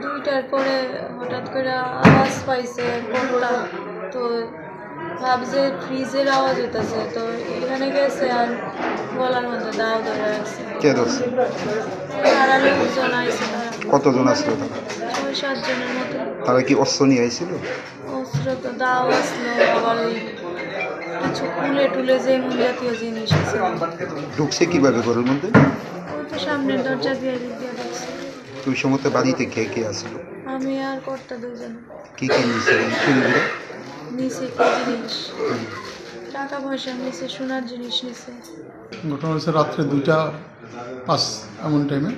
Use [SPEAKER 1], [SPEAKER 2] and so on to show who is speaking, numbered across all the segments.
[SPEAKER 1] 2টার পরে হঠাৎ করে আওয়াজ পাইছে কোনটা, তো ভাবছে ফ্রিজের আওয়াজ হইতেছে, তো এখানে গেছে আর গলার মধ্যে দাও ধরে রাখছে।
[SPEAKER 2] কে ধরছে?
[SPEAKER 1] তারা লোকজন আইছে, তারা
[SPEAKER 2] কতজন আসলো তারা?
[SPEAKER 1] 6-7 জনের মতো।
[SPEAKER 2] তারা কি অস্ত্র নিয়ে আইছিল?
[SPEAKER 1] অস্ত্র তো দাও আসলো, আবার ওই কিছু কুলে টুলে যে এমন জাতীয় জিনিস আছে।
[SPEAKER 2] ঢুকছে কিভাবে ঘরের মধ্যে?
[SPEAKER 1] ওই তো সামনের দরজা দিয়ে দিয়ে ঢুকছে।
[SPEAKER 2] তুই সময় বাড়িতে কে কে আসলো?
[SPEAKER 1] আমি আর কর্তা দুজন।
[SPEAKER 2] কি কি নিয়েছে চুরিগুলো?
[SPEAKER 1] নিচে কি জিনিস, টাকা পয়সা নিচে, সোনার জিনিস নিচে।
[SPEAKER 3] ঘটনা হচ্ছে রাত্রে 2:05 এমন টাইমে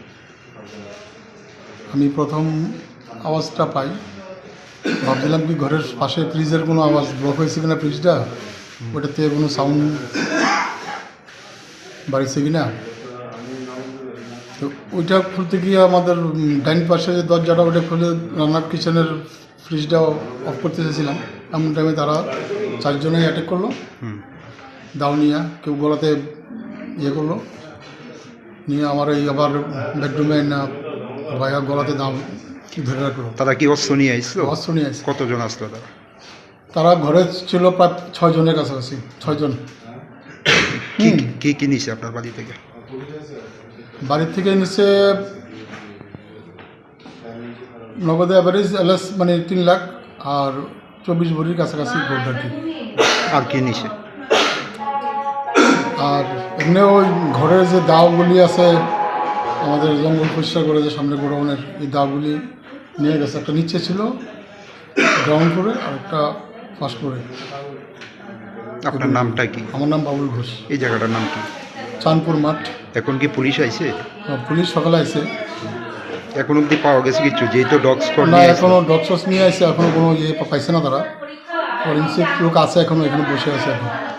[SPEAKER 3] আমি প্রথম আওয়াজটা পাই। ভাবছিলাম কি ঘরের পাশে ফ্রিজের কোনো আওয়াজ ব্লক হয়েছে কিনা, ফ্রিজটা ওটাতে কোনো সাউন্ড বাড়িছে কিনা। তো ওইটা খুলতে গিয়ে আমাদের ডাইন পাশে যে দরজাটা ওটা খুলে রান্নার কিচেনের ফ্রিজটা অফ করতে চেয়েছিলাম, এমন টাইমে তারা 4 জনেই অ্যাটাক করলো। দাও নিয়ে কেউ গলাতে ইয়ে করলো, নিয়ে আমার এই আবার বেডরুমে না ভাইয়া গলাতে দাও ধরে রাখলো।
[SPEAKER 2] তারা কি অস্ত্র নিয়ে আইছিল?
[SPEAKER 3] অস্ত্র নিয়ে আসছে।
[SPEAKER 2] কতজন আসলো তারা?
[SPEAKER 3] তারা ঘরে ছিল প্রায় 6 জনের কাছাকাছি, 6 জন।
[SPEAKER 2] কি কি নিছে আপনার বাড়ি থেকে?
[SPEAKER 3] বাড়ির থেকে নিচে নগদে অ্যাভারেজ এলএস মানে 3 লাখ আর 24 ভরির কাছাকাছি গোল্ড আর কি।
[SPEAKER 2] আর কি নিছে?
[SPEAKER 3] আর এমনি ওই ঘরের যে দাওগুলি আছে আমাদের জঙ্গল পরিষ্কার করে যে সামনে গোডাউনের, এই দাওগুলি নিয়ে গেছে। একটা নিচে ছিল গ্রাউন্ড ফ্লোরে আর একটা ফার্স্ট ফ্লোরে।
[SPEAKER 2] আপনার নামটা কি?
[SPEAKER 3] আমার নাম বাবুল ঘোষ।
[SPEAKER 2] এই জায়গাটার নাম কি?
[SPEAKER 3] চাঁদপুর মাঠ।
[SPEAKER 2] এখন কি পুলিশ আইছে?
[SPEAKER 3] পুলিশ সকালে আসে।
[SPEAKER 2] এখন অব্দি পাওয়া গেছে কিছু? যেহেতু ডগ স্কোয়াড
[SPEAKER 3] না,
[SPEAKER 2] নিয়ে
[SPEAKER 3] এখনও ডক্টরস নিয়ে আসছে, এখনও কোনো ইয়ে পাইছে না তারা। ফরেন্সিক লোক আছে এখনও, এখানে বসে আছে এখন।